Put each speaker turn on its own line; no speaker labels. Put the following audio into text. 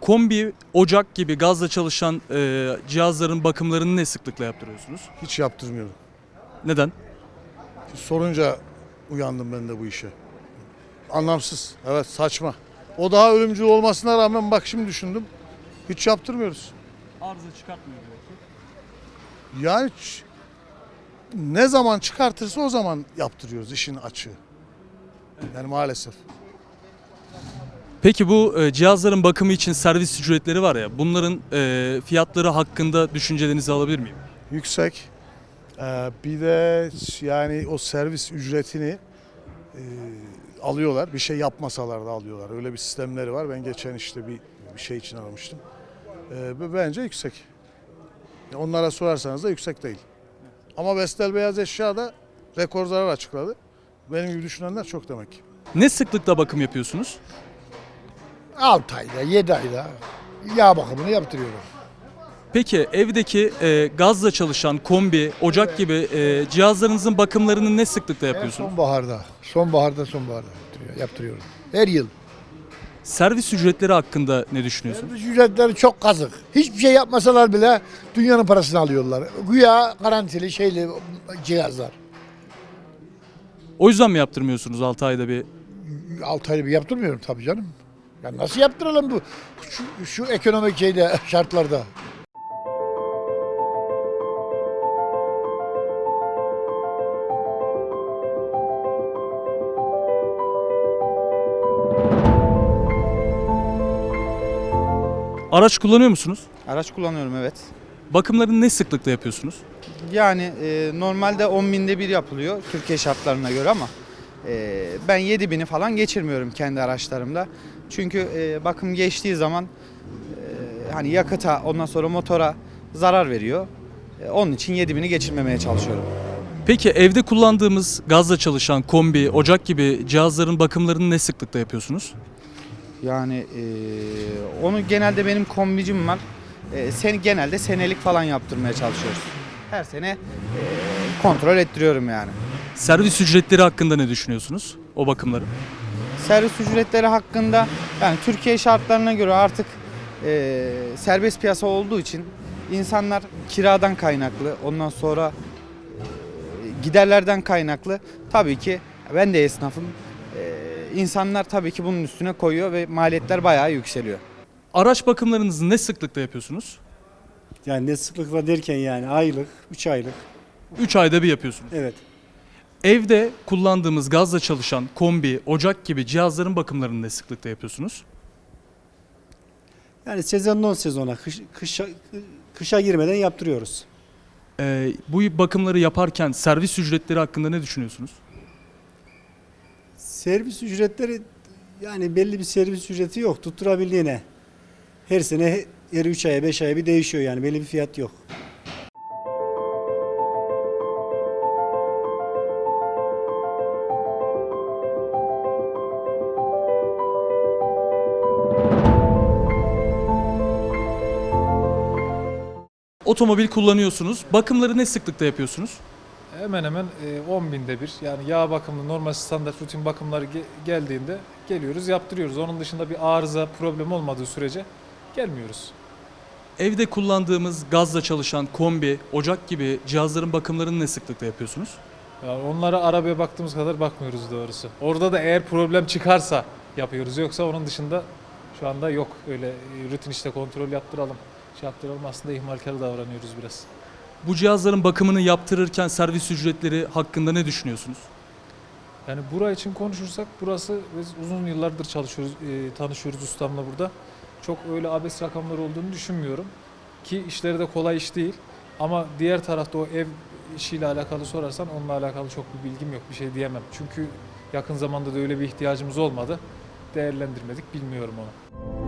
Kombi, ocak gibi gazla çalışan cihazların bakımlarını ne sıklıkla yaptırıyorsunuz?
Hiç yaptırmıyorum.
Neden?
Sorunca uyandım ben de bu işe. Anlamsız. Evet, saçma. O daha ölümcül olmasına rağmen bak şimdi düşündüm. Hiç yaptırmıyoruz.
Arıza çıkartmıyor belki.
Yani ne zaman çıkartırsa o zaman yaptırıyoruz işin açığı. Yani maalesef.
Peki bu cihazların bakımı için servis ücretleri var ya, bunların fiyatları hakkında düşüncelerinizi alabilir miyim?
Yüksek. Bir de yani o servis ücretini alıyorlar. Bir şey yapmasalar da alıyorlar. Öyle bir sistemleri var. Ben geçen işte bir şey için aramıştım. Bence yüksek. Onlara sorarsanız da yüksek değil. Ama Vestel Beyaz Eşya da rekor zarar açıkladı. Benim gibi düşünenler çok demek ki.
Ne sıklıkla bakım yapıyorsunuz?
6 ayda, 7 ayda yağ bakımını yaptırıyorum.
Peki evdeki gazla çalışan kombi, ocak gibi cihazlarınızın bakımlarını ne sıklıkla yapıyorsunuz?
Sonbaharda yaptırıyorum. Her yıl.
Servis ücretleri hakkında ne düşünüyorsunuz?
Servis ücretleri çok kazık. Hiçbir şey yapmasalar bile dünyanın parasını alıyorlar. Güya garantili şeyli cihazlar.
O yüzden mi yaptırmıyorsunuz 6 ayda bir?
6 ayda bir yaptırmıyorum tabii canım. Ya nasıl yaptıralım bu şu ekonomik şartlarda?
Araç kullanıyor musunuz?
Araç kullanıyorum, evet.
Bakımlarını ne sıklıkla yapıyorsunuz?
Yani normalde 10 binde bir yapılıyor Türkiye şartlarına göre ama ben 7 bini falan geçirmiyorum kendi araçlarımda. Çünkü bakım geçtiği zaman hani yakıta ondan sonra motora zarar veriyor. Onun için 7 bini geçirmemeye çalışıyorum.
Peki evde kullandığımız gazla çalışan kombi, ocak gibi cihazların bakımlarını ne sıklıkla yapıyorsunuz?
Yani onu genelde benim kombicim var. Genelde senelik falan yaptırmaya çalışıyoruz. Her sene kontrol ettiriyorum yani.
Servis ücretleri hakkında ne düşünüyorsunuz o bakımları?
Servis ücretleri hakkında yani Türkiye şartlarına göre artık serbest piyasa olduğu için insanlar kiradan kaynaklı, ondan sonra giderlerden kaynaklı tabii ki ben de esnafım. İnsanlar tabii ki bunun üstüne koyuyor ve maliyetler bayağı yükseliyor.
Araç bakımlarınızı ne sıklıkla yapıyorsunuz?
Yani ne sıklıkla derken yani aylık, 3 aylık.
3 ayda bir yapıyorsunuz.
Evet.
Evde kullandığımız gazla çalışan kombi, ocak gibi cihazların bakımlarını ne sıklıkla yapıyorsunuz?
Yani sezondan sezona, kışa girmeden yaptırıyoruz.
Bu bakımları yaparken servis ücretleri hakkında ne düşünüyorsunuz?
Servis ücretleri yani belli bir servis ücreti yok tutturabildiğine. Her sene her 3 aya 5 aya bir değişiyor yani belli bir fiyat yok.
Otomobil kullanıyorsunuz. Bakımları ne sıklıkta yapıyorsunuz?
Hemen hemen 10 binde bir, yani yağ bakımı, normal standart rutin bakımları geldiğinde geliyoruz, yaptırıyoruz. Onun dışında bir arıza, problem olmadığı sürece gelmiyoruz.
Evde kullandığımız gazla çalışan kombi, ocak gibi cihazların bakımlarını ne sıklıkla yapıyorsunuz?
Yani onlara arabaya baktığımız kadar bakmıyoruz doğrusu. Orada da eğer problem çıkarsa yapıyoruz, yoksa onun dışında şu anda yok. Öyle rutin işte kontrol yaptıralım, yaptıralım, aslında ihmalkar davranıyoruz biraz.
Bu cihazların bakımını yaptırırken servis ücretleri hakkında ne düşünüyorsunuz?
Yani bura için konuşursak, burası biz uzun yıllardır çalışıyoruz, tanışıyoruz ustamla burada. Çok öyle abes rakamlar olduğunu düşünmüyorum. Ki işleri de kolay iş değil. Ama diğer tarafta o ev işiyle alakalı sorarsan onunla alakalı çok bir bilgim yok, bir şey diyemem. Çünkü yakın zamanda da öyle bir ihtiyacımız olmadı. Değerlendirmedik, bilmiyorum onu.